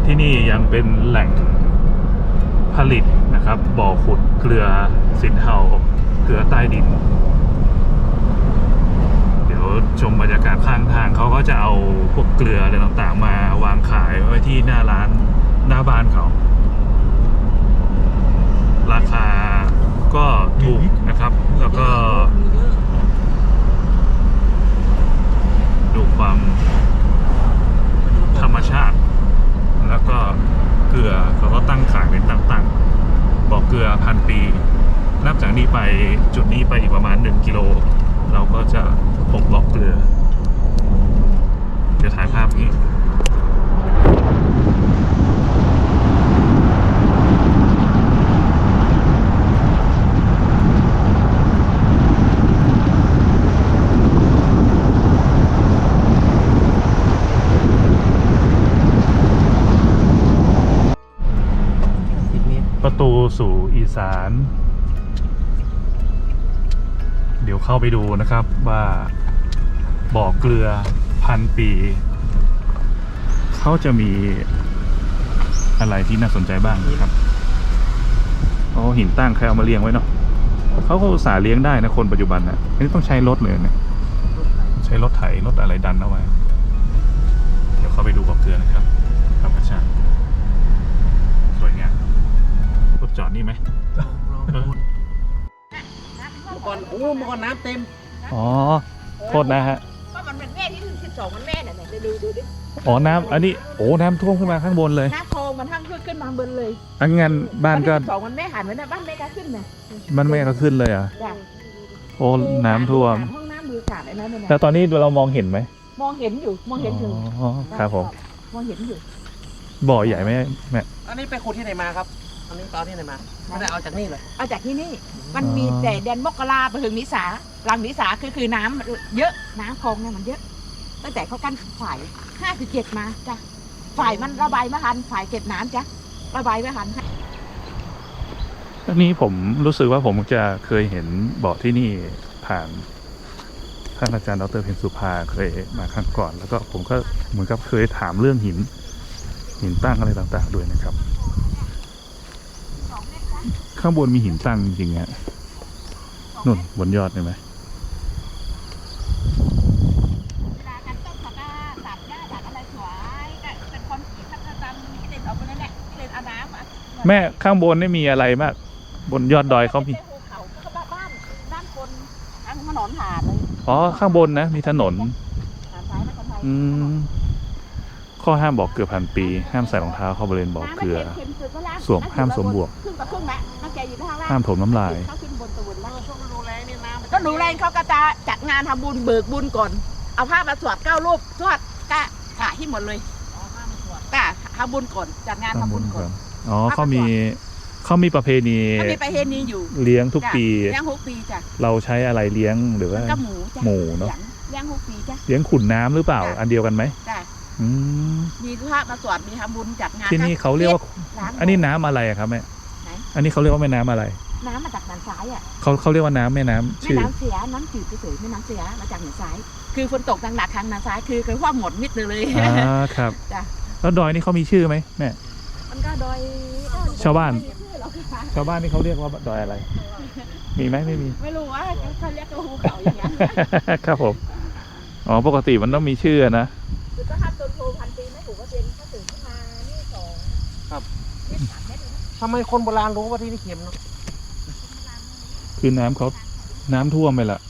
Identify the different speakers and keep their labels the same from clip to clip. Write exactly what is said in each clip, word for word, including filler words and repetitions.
Speaker 1: ที่นี่ยังเป็นแหล่งผลิตนะครับบ่อขุดเกลือสินเทาเกลือใต้ดินเดี๋ยวชมบรรยากาศข้างทางเขาก็จะเอาพวกเกลืออะไรต่างๆมาวางขายไว้ที่หน้าร้านหน้าบ้านเขาราคาก็ถูกนะครับแล้วก็ดูความธรรมชาติแล้วก็เกลือเขาก็ตั้งขายเป็นตั้งๆบ่อเกลือพันปีนับจากนี้ไปจุดนี้ไปอีกประมาณหนึ่งกิโลเราก็จะพบบ่อเกลือเดี๋ยวถ่ายภาพนี้ประตูสู่อีสานเดี๋ยวเข้าไปดูนะครับว่าบ่อเกลือพันปีเขาจะมีอะไรที่น่าสนใจบ้างนะครับโอ้หินตั้งใครเอามาเลี้ยงไว้เนาะเขาก็อุตส่าห์เลี้ยงได้นะคนปัจจุบันนะอันนี้ต้องใช้รถเลยเนี่ยใช้รถไถรถอะไรดันเอาไว้เดี๋ยวเข้าไปดูบ่อเกลือนะครับธรรมชาติสวยงามรถจอดนี่ไหมเมื่
Speaker 2: อก่อนโอ้เมื่อก่อนน้ำเต็ม
Speaker 1: อ๋อโทษนะฮะ
Speaker 3: ก็มันเป็นแม่ที่ถึงสิบสองมันแม่เนี่ยเนี่ยดูดูดิ
Speaker 1: อ๋อน้ำอันนี้โอ้น้ำท่วมขึ้นมาข้างบนเลย
Speaker 3: น้ำคลองมันทั้งขึ้นขึ้นมาบนเลย
Speaker 1: อันงั้นบ้านก็
Speaker 3: สองมันแม่หันไว้นะบ้านแม่ก็ขึ้นเนี่ย
Speaker 1: บ้านแม่ก็ขึ้นเลยอ่ะโอ้น้ำท่วม
Speaker 3: ห้องน้ำมือขาดไอ้นั่นเนี่ย
Speaker 1: แล้วตอนนี้เรามองเห็นไหม
Speaker 3: มองเห็นอยู่มองเห็นอยู่
Speaker 1: อ๋อครับผม
Speaker 3: มองเห็นอยู่
Speaker 1: บ่อใหญ่ไหมแม่
Speaker 2: อันนี้ไปขุดที่ไหนมาครับอันนี้ตอนที่ไหนมาไม่ได้เอาจากนี่เลย
Speaker 3: เอาจากที่นี่มันมีแต่แดนมกราไปถึงนิสาหลังนิสาคือคือน้ำเยอะน้ำคลองเนี่ยมันเยอะตั้งแต่เขากั้นฝ่ายห้าสิบเจ็ดมาจ้ะฝ่ายมันระบายไม่ทันฝ่ายเก็บน้ำจ้ะระบายไม่ทัน
Speaker 1: อันนี้ผมรู้สึกว่าผมจะเคยเห็นบ่อที่นี่ผ่านท่านอาจารย์ดร.เพ็ญสุภาเคยมาครั้งก่อนแล้วก็ผมก็เหมือนกับเคยถามเรื่องหินหินตั้งอะไรต่างๆด้วยนะครับข้างบนมีหินตั้งจริงๆฮะนู่นบนยอดเห็นไหมแม่ข้างบนนี่มีอะไรมากบนยอดดอยเขามี
Speaker 3: บ้านด้านคนทางถนนหาดเลย
Speaker 1: อ๋อข้างบนนะมีถนนอืมข้อห้ามบ่อเกลือพันปีห้ามใส่รองเท้าเข้าบริเวณบ่อเกลือสวมห้ามสวมบวกห้ามถมน้ำลาย
Speaker 3: ก็ดูแลเขาก็จะจัดงานทำบุญเบิกบุญก่อนเอาผ้ามาสวดเก้ารูปสวดกะกะที่หมดเลยกะทำบุญก่อนจัดงานทำบุญก่อน
Speaker 1: อ๋อเขามีเขามีประเพณี
Speaker 3: เขามีประเพณีอยู่
Speaker 1: เลี้ยงทุกปี
Speaker 3: เลี้ยงทุกปีจ้ะ
Speaker 1: เราใช้อะไรเลี้ยงหรือว่า
Speaker 3: ก็หมู
Speaker 1: หมูเนาะ
Speaker 3: เลี้ยงทุกปีจ้ะ
Speaker 1: เลี้ยงขุนน้ำหรือเปล่าอันเดียวกันไหม
Speaker 3: จ้ะมีพระมาสวดมีทำบุญจัดงาน
Speaker 1: ที่นี่เขาเรียกว่าอันนี้น้ำอะไรครับแม่อันนี้เขาเรียกว่าแม่น้ำอะไร
Speaker 3: น้ำมาจากหนองซ้ายอ่ะ
Speaker 1: เขาเขาเรียกว่าน้ำแม่น้ำ
Speaker 3: ชื่อแม่น้ำเสียน้ำจืดเฉยๆแม่น้ำเสียมาจากหนองซ้ายคือฝนตกหนักๆทางหนองซ้ายคือคือว่าหมดมิดเลย
Speaker 1: อ่าครับ
Speaker 3: จ้ะ
Speaker 1: แล้วดอยนี่เขามีชื่อไหมแม่
Speaker 3: มันก็ดอย
Speaker 1: ชาวบ้านชาวบ้านนี่เขาเรียกว่าดอยอะไรมีไหมไม่มี
Speaker 3: ไม่รู้ว่าเขาเรียกว่าภูเขาอย่างเงี้ย
Speaker 1: ครับผมอ๋อปกติมันต้องมีชื่อนะ
Speaker 3: คือก็ทำต้นโพพันปีไม่ถูกก็เป็นก็ตื่นขึ้นมานี่สอง
Speaker 2: ครับทำไมคนโบราณรู้ว่าที่นี่เค็มเนาะ
Speaker 1: คือน้ำเขาน้ำท่วมไปละ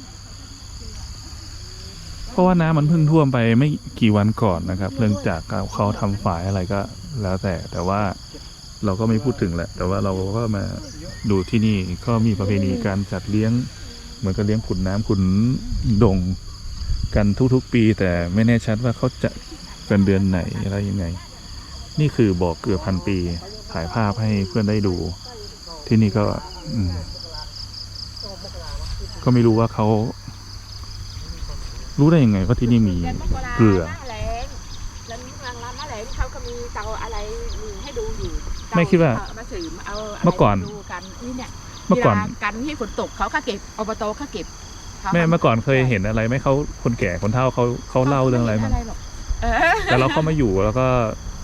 Speaker 1: เพราะว่าน้ำมันเพิ่งท่วมไปไม่กี่วันก่อนนะครับเรื่องจากเขาทำฝายอะไรก็แล้วแต่แต่ว่าเราก็ไม่พูดถึงแหละแต่ว่าเราก็มาดูที่นี่ก็มีประเพณีการจัดเลี้ยงเหมือนกับเลี้ยงขุนน้ำขุนดงกันทุกๆปีแต่ไม่แน่ชัดว่าเขาจะกันเดือนไหนอะไรยังไงนี่คือบ่อเกลือพันปีถ่ายภาพให้เพื่อนได้ดูที่นี่ก็ก็ไม่รู้ว่าเขารู้ได้ยังไงว่าที่นี่มีเกลือ
Speaker 3: เขาก็มีเตาอะไรให้ดูอยู่
Speaker 1: ไม่คิดว่าเมื่อก่อนเมื่อก่อน
Speaker 3: กันที่ฝนตกเขาก็เก็บอบตเขาเก็บ
Speaker 1: แม่เมื่อก่อนเคยเห็นอะไรไหมเขาคนแก่คนเฒ่าเขาเขาเล่าเรื่องอะไรมั้งแต่เราเข้ามาอยู่แล้วก็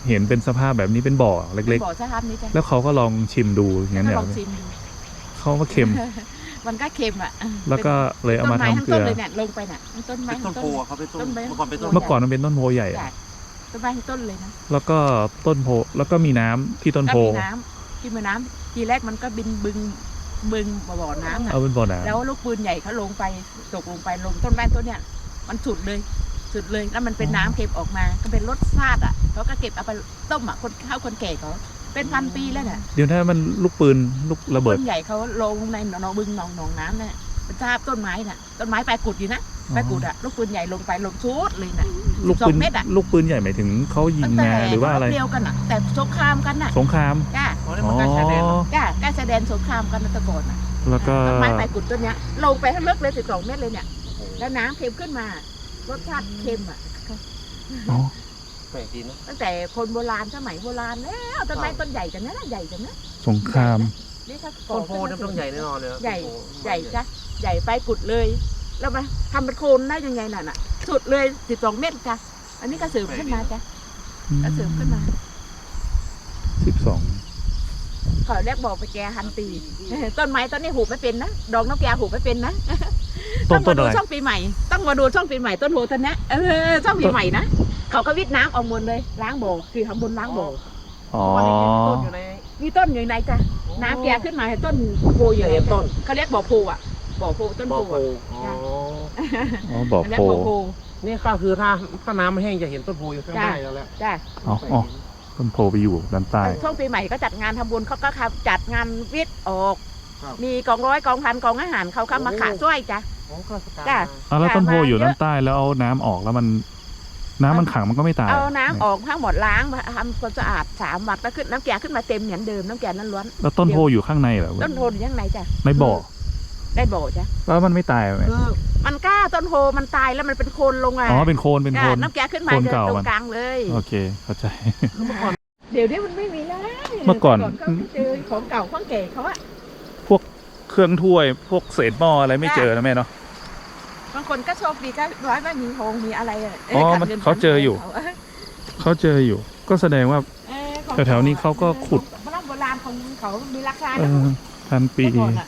Speaker 1: เห็นเป็นสภาพแบบนี้เป็นบ่อเล็ก
Speaker 3: บ่อสภาพนี้จ้ะ
Speaker 1: ๆ แล้วเขาก็ลองชิมดูอย่างนั้น
Speaker 3: ก็
Speaker 1: เนี่ย
Speaker 3: ลองชิมดู
Speaker 1: เขาก็เค็ม
Speaker 3: มันก็เค็มอ่ะ
Speaker 1: แล้วก็เลยเอา
Speaker 3: ต้น
Speaker 1: มา
Speaker 3: ไม้
Speaker 1: ทำ
Speaker 3: ทั้ง
Speaker 1: เกลื
Speaker 3: ต้น
Speaker 1: อ
Speaker 3: เลยเนี่ยลงไปเนี่ยทั้งต้นไม้
Speaker 2: เป็นต้
Speaker 3: ทั้
Speaker 2: น
Speaker 3: ง
Speaker 2: โพ
Speaker 3: ต้น
Speaker 2: อะเขาเป็นต้น
Speaker 3: ต้นไม้
Speaker 2: เมื่อก่อนเป็นต้น
Speaker 1: เมื่อก่อนมันเป็นต้นโพใหญ่
Speaker 3: จ้ะต้นไม้ทั้งต้นเลยนะ
Speaker 1: แล้วก็ต้นโพแล้วก็มีน้ำที่ต้น
Speaker 3: ก็
Speaker 1: โพ
Speaker 3: มีน้ำที่มีน้ำทีแรกมันก็บินบึงบึงบ่อน้ำน่ะ
Speaker 1: เอาเป็นบ่อน้
Speaker 3: แล้วลูกปืนใหญ่เขาลงไปตกลงไปลงต้นไม้ต้นเนี้ยมันสุดเลยสุดเลยแล้วมันเป็นน้ำเก็บออกมาก็เป็นรสชาติอ่ะเขาก็เก็บเอาไปต้มอ่ะคนข้าวคนแก่เขาเป็นพันปีแล้วเนี่ย
Speaker 1: ำเดี๋ยวถ้ามันลูกปืนลูกระเบิด
Speaker 3: ปืนใหญ่เขาลงในหนองบึงหนองหนองน้ำเนี่ยเป็นทราบต้นไม้น่ะต้นไม้ปลายกุดอยู่นะปลายกุดอ่ะลูกปืนใหญ่ลงไปลงชุดเลยน่ะ
Speaker 1: ลูก
Speaker 3: สอ
Speaker 1: ปื
Speaker 3: ง
Speaker 1: น
Speaker 3: เม็ดอ่ะ
Speaker 1: ลูกปืนใหญ่หมายถึงเขายิง
Speaker 3: ตั้งแต่
Speaker 1: งาหรือว่าอะไร
Speaker 3: เดียวกันอ่ะแต่สงครามกันน่ะ
Speaker 1: สงคราม
Speaker 3: จ้า
Speaker 2: อ๋อนี่
Speaker 1: อ๋
Speaker 2: มัน
Speaker 1: อ
Speaker 2: ใกล้ชายแดนเนอะ
Speaker 3: จ้าใกล้แสดงสงครามกันนะแตะก่อนน่ะ
Speaker 1: แล้วก็
Speaker 3: ต้นไม้ปลายกุดต้นเนี้ยลงไปทั้งลึกเลยสิบสองเมตรเลยเนี่ยแล้วน้ำเค็มขึ้นมารสชาติเค็มอ่ะ
Speaker 1: อ๋อ
Speaker 2: แปลกดีเนอะ
Speaker 3: ตั้งแต่คนโบราณสมัยโบราณแล้วต้นไม้ต้นใหญ่จังนะใหญ่จังนะ
Speaker 1: สงคราม
Speaker 3: นี่ถ้า
Speaker 2: ต้นโพเนี่ยต้องใหญ่แน่นอนเลยนะ
Speaker 3: ใหญ่
Speaker 2: ต้นโพ
Speaker 3: ใหญ่จ้ะใหญ่ไปกุดเลย แล้วมาทำเป็นโคนได้ยังไงน่ะน่ะสุดเลยสิบสองเมตรจ้ะอันนี้ก็เสริมขึ้นมาจ้ะก็เสริมขึ้นมา
Speaker 1: สิบสอง
Speaker 3: เขาเรียกบอกไปแกฮันตี ต้นไม้ต้นนี้หูไม่เป็นนะดอกนกแกหูไม่เป็นนะ
Speaker 1: ต้
Speaker 3: ต้
Speaker 1: น
Speaker 3: อง
Speaker 1: ต้
Speaker 3: มาน ดู
Speaker 1: อะไร
Speaker 3: ช่องปีใหม่ ต้องมาดูช่องปีใหม่ต้นโพต้นเนี้ยเออช่องปีใหม่นะเขาก็วิทน้ำออกหมดเลยล้างบ่อคือทำบนล้างบ่อ
Speaker 1: อ๋อ
Speaker 2: วันนี้กินต้นอยู่ใน
Speaker 3: มีต้นอยู่ในจ้ะน้ำแกขึ้นมาให้ต้นโพอยู่
Speaker 2: เห็นต้น
Speaker 3: เขาเรียกบ่อโพอ่ะบ่อโพต้น
Speaker 2: บ่อ
Speaker 3: โพ
Speaker 2: โพ
Speaker 3: อ่ะ
Speaker 2: อ๋อ
Speaker 1: อ๋อบ่อ
Speaker 3: เรีย
Speaker 1: โพ
Speaker 3: กบ่อโพ
Speaker 2: นี่ก็คือถ้าถ้าน้ำมันแห้งจะเห็นต้นโพอยู่ข้างใต้แล้วแหละ
Speaker 3: จ้ะ
Speaker 1: อ๋ออ๋อต้นโพไปอยู่ด้านใต้
Speaker 3: ช่วงปีใหม่ก็จัดงานทำบุญเขาก็จัดงานวิทย์ออก
Speaker 2: ครับ
Speaker 3: มีกองร้อยกองพันกองอาหารเขาเข้ามาขาช่วยจ้ะ
Speaker 2: อ๋อข้าราชการ
Speaker 3: จ้ะ
Speaker 2: มา
Speaker 1: อ๋อแล้วต้นโพอยู่
Speaker 3: เยอะ
Speaker 1: ด้านใต้แล้วเอาน้ำออกแล้วมัน น้ำมันขังมันก็ไม่ตาย
Speaker 3: เอาน้ำออกทั้งหมดล้างมาทำความสะอาดสามวันแล้วขึ้นน้ำแกงขึ้นมาเต็มเหมือนเดิมน้ำแกงนั้นล้วน
Speaker 1: แล้วต้นโพอยู่ข้างในเหรอ
Speaker 3: ต้นโพอยู่ยังไงจ้ะ
Speaker 1: ในบ่อ
Speaker 3: ได้บ่อจ้ะ
Speaker 1: แล้วมันไม่ตายไหม
Speaker 2: คือ
Speaker 3: มันกล้าต้นโพมันตายแล้วมันเป็นโคนลงอ่ะ
Speaker 1: อ๋อเป็นโคนเป็นโค
Speaker 3: จ้ะ
Speaker 1: น
Speaker 3: น้ำแกงขึ้นมา
Speaker 1: โคน
Speaker 3: เดิน
Speaker 1: เก่า
Speaker 3: ตร
Speaker 1: มัน
Speaker 3: งกลางเลย
Speaker 1: โอเคเข้าใจ
Speaker 2: เมื่อก่อน
Speaker 3: เดี๋ยวนี้มันไม่มีแล้ว
Speaker 1: เมื่อก่อน
Speaker 3: เขาไม่เจอของเก่าของแก่เขาอะ
Speaker 1: พวกเครื่องถ้วย พวกเศษหม้ออะไรไม่เจอนะแม่เนาะ
Speaker 3: บางคนก็โชคดีก็ร้อยไม่มีโฮงมีอะไระ
Speaker 1: อ๋อ
Speaker 3: ขัด
Speaker 1: มัน
Speaker 3: งิ
Speaker 1: เขาเจออยู่
Speaker 3: เขา
Speaker 1: เขาเจออยู่ ก็แสดงว่า
Speaker 3: เออของ
Speaker 1: แถวๆนี้เขาก็ขุด
Speaker 3: โบราณโบราณของเขามีราคา
Speaker 1: เอ
Speaker 3: นะ
Speaker 1: อพันปี
Speaker 3: เมื่อก่อนอะ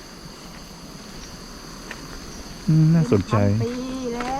Speaker 1: อืมน่าสนใจ
Speaker 3: พัปีแล้ว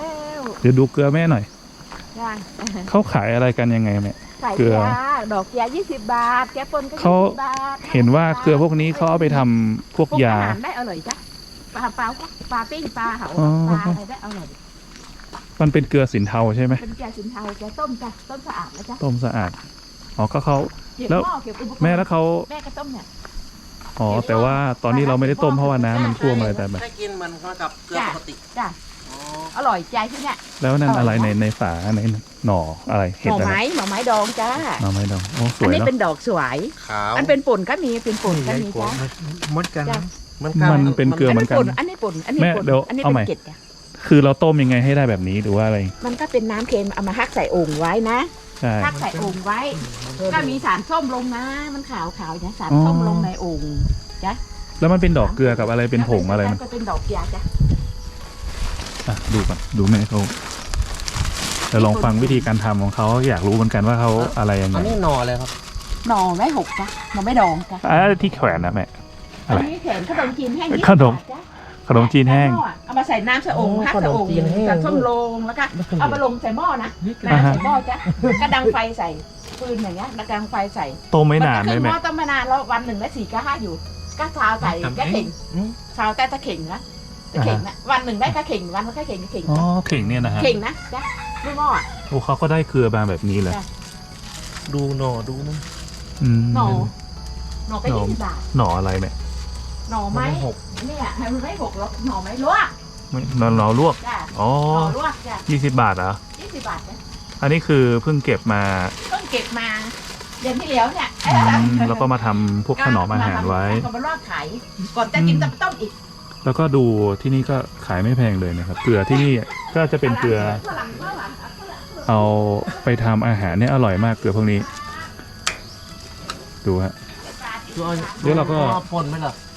Speaker 1: เดี๋ยวดูเกลือแม่หน่อย
Speaker 3: จ้ะ
Speaker 1: เขาขายอะไรกันยังไงแม่
Speaker 3: ใส่
Speaker 1: เกลือ
Speaker 3: ยาดอกยายี่สิบบาท แกปนก็
Speaker 1: เขา
Speaker 3: ยี่สิบบาท
Speaker 1: เห็นว่าเกลือพวกนี้เขาเอาไปทำพวก
Speaker 3: พวก
Speaker 1: ยา
Speaker 3: อาหารได้อร่อยจ้ะปลาเปล่าปลาปิ้งปลาเผา
Speaker 1: อ๋อ
Speaker 3: ปลาอะไรได้อร่อย
Speaker 1: มันเป็นเกลือสินเทาใช่ไหม
Speaker 3: เป็นแกสินเทาแกต้มจ้ะต้มสะอาดนะจ๊ะ
Speaker 1: ต้มสะอาด อ๋อก็เขา
Speaker 3: เก็บ
Speaker 1: แล้ว
Speaker 3: หม้อเก็บอุปกรณ์
Speaker 1: แม่แล้วเขา
Speaker 3: แม่ก็ต้มเนี่ย
Speaker 1: อ๋อแต่ว่าตอนนี้เราไม่ได้ต้มเพราะว่าน้ำมันท่วมอะไรแต่แบบ
Speaker 2: ได้กินมันก็กับเกลือปกติ
Speaker 3: จ้ะ
Speaker 2: อ๋อ
Speaker 3: อร่อยใจที่เนี่ย
Speaker 1: แล้วนั่นอะไรในในฝาในหน่ออะไร
Speaker 3: ห
Speaker 1: เห็ด
Speaker 3: น่อ
Speaker 1: อะไร
Speaker 3: ไม้หน่อไม้ดองจ้า
Speaker 1: หน่อไม้ดองโอ้ส
Speaker 3: อัน
Speaker 1: วย
Speaker 3: นี้
Speaker 1: เนาะ
Speaker 3: เป็นดอกสวย
Speaker 2: ขาว
Speaker 3: อันเป็นป่นก็มีเป็นป่นก็มีจ้า
Speaker 2: เหมือนกัน
Speaker 3: จ้ะ
Speaker 2: เหมือนกัน
Speaker 1: มันเป็นเกลือ
Speaker 3: อัน
Speaker 1: เหมื
Speaker 3: นี้
Speaker 1: อนกัน
Speaker 3: ป่นอันนี้ป่นอันนี้
Speaker 1: แม่
Speaker 3: ป่น
Speaker 1: เดี๋ยว
Speaker 3: อันนี้
Speaker 1: เอา
Speaker 3: เป็
Speaker 1: ใหม่
Speaker 3: นเกล็ดจ้ะ
Speaker 1: คือเราต้มยังไงให้ได้แบบนี้หรือว่าอะไร
Speaker 3: มันก็เป็นน้ำเค็มเอามาฮักใส่โอ่งไว้นะ
Speaker 1: ใช่
Speaker 3: ฮักใส่โอ่งไว้ ก็มีสารส้มลงนะ มันขาวขาวๆนะสาร
Speaker 1: อ๋อ
Speaker 3: ส้มลงในโอ่งจ้ะ
Speaker 1: แล้วมันเป็นดอกเกลือกับอะไรเป็นผงอะไรมัน
Speaker 3: ก็เป็นดอกยาจ้ะ
Speaker 1: อ่ะดูก่อนดูแม่เขาเดี๋ยวลองฟังวิธีการทำของเขาอยากรู้เหมือนกันว่าเขาอะไรยังไง
Speaker 2: อันนี้หน่อเลยครับ
Speaker 3: หน่อไม้หกจ้ะหน่อไม้ดองจ้ะ
Speaker 1: อ่ะที่แขวนนะแม่
Speaker 3: อันนี้แขนขนมจีนแห้งยี่สิบ
Speaker 1: ขนม
Speaker 3: บาทจ้ะ
Speaker 1: ขนมจีนแห้ง
Speaker 3: เอามาใส่น้ำใส่โอ่งฮักใส่โอ่งใส่ส้มลงแล้วก็เอามาลงใส่หม้อนะน้ำใส่หม้อจ้ะก็ดังไฟใส่ปืนอย่างเงี้ยดังไฟใส่
Speaker 1: ต้มไม่นาน
Speaker 3: ก็
Speaker 1: ไหม
Speaker 3: ขึ้นห
Speaker 1: แม่
Speaker 3: ม้อต้มไม่นานแล้ววันหนึ่งได้สี่ก็ห้าอยู่ ก็ชาวใส่ก็เข่ง
Speaker 2: อืม
Speaker 3: ชาวแต่ตะเข่งนะตะเข่งนะวันหนึ่งได้ก็เข่งวันละก็เข่งก็เข่ง
Speaker 1: อ๋อเข่งเนี่ยนะฮะ
Speaker 3: เข่งนะจ้ะไม่หม้ออะ
Speaker 1: โอ้เขาก็ได้เกลือมาแบบนี้เลย
Speaker 3: จ้ะ
Speaker 2: ดูหน่อดูนะ
Speaker 1: อืม
Speaker 3: หน่อหน่อก็ยี่สิบบาท
Speaker 1: หน่ออะไรแม่
Speaker 3: หน่อไม้
Speaker 2: หก
Speaker 3: เนี่ยมันไม่หกหรอกหน่อไม้ลวก
Speaker 1: ไม่หน่อหน่อลวก
Speaker 3: จ้ะ
Speaker 1: อ๋อ
Speaker 3: หน่อลวกจ้ะ
Speaker 1: ยี่สิบบาทเหรอ
Speaker 3: ยี่สิบบาทจ้ะ
Speaker 1: อันนี้คือเพิ่งเก็บมา
Speaker 3: เพิ่งเก็บมาเดือนที่แล้วเนี่ย
Speaker 1: อืมแล้วก็มาทำพวกถนอมอาหารไว้
Speaker 3: ก็มาลวกขายก่อนจะกินจะต้มอีก
Speaker 1: แล้วก็ดูที่นี่ก็ขายไม่แพงเลยนะครับ เกลือที่นี่ก็จะเป็นเกลือ
Speaker 3: ฝรั่งฝรั่ง
Speaker 1: เอาไปทำอาหารเนี่ยอร่อยมากเกลือพวกนี้ ดูฮะ
Speaker 2: ดูเอา
Speaker 1: เดี๋ยวเราก็
Speaker 2: อพ่นไหมล่ะ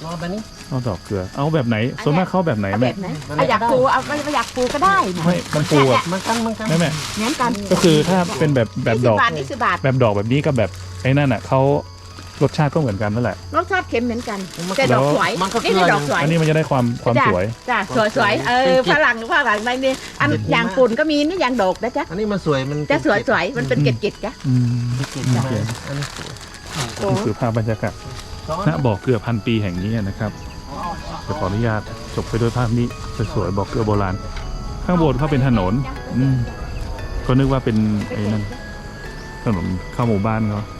Speaker 2: รอแบบนี้
Speaker 1: เอาดอกเกลือ เอาแบบไหนส่วนมากเข้าแบบไหน
Speaker 3: เอา
Speaker 1: แม่
Speaker 3: แบบไหนเอาอยากปูเอาไม่อยากปูก็ได้นะ
Speaker 1: ไม่มันปูแบบ
Speaker 2: มันกันมันกัน
Speaker 1: แม่แม่
Speaker 3: เหมือนกัน
Speaker 1: ก็คือถ้าเป็นแบบแบบดอก
Speaker 3: ยี่สิบบาทยี่สิบบาท
Speaker 1: แบบดอกแบบนี้กับแบบไอ้นั่นอ่ะเขารสชาติก็เหมือนกันนั่นแหละ
Speaker 3: รสชาติเค็มเหมือนกันแต่ดอกสวย
Speaker 2: มันก็
Speaker 3: นี่
Speaker 2: เกลื
Speaker 3: คือ
Speaker 2: อ
Speaker 3: ดอกสวย
Speaker 1: อันนี้มันจะได้ความความสวย
Speaker 3: จ้ะสวยสวยๆเออฝรั่งฝรั่งในนี่อันอย่างปุ่นก็มีนี่อย่างดอกนะจ๊ะ
Speaker 2: อันนี้มันสวยมัน
Speaker 3: จะสวยสวยๆมันเป็นเกล็ดๆจ้ะ
Speaker 1: อืม
Speaker 2: เกล็ด
Speaker 1: โอ
Speaker 2: ๆ
Speaker 1: เค
Speaker 2: อันนี้สวย
Speaker 1: นี่คือภาพบรรยากาศ
Speaker 2: ซ้อน
Speaker 1: ณบ่อเกลือพันปีแห่งนี้นะครับจะขออนุญาตจบไปด้วยภาพนี้สวยๆบ่อเกลือโบราณ ข้างบนเขาเป็นถนน อืมก็นึกว่าเป็นไอ้นั่นถนนเข้าหมู่บ้านเขา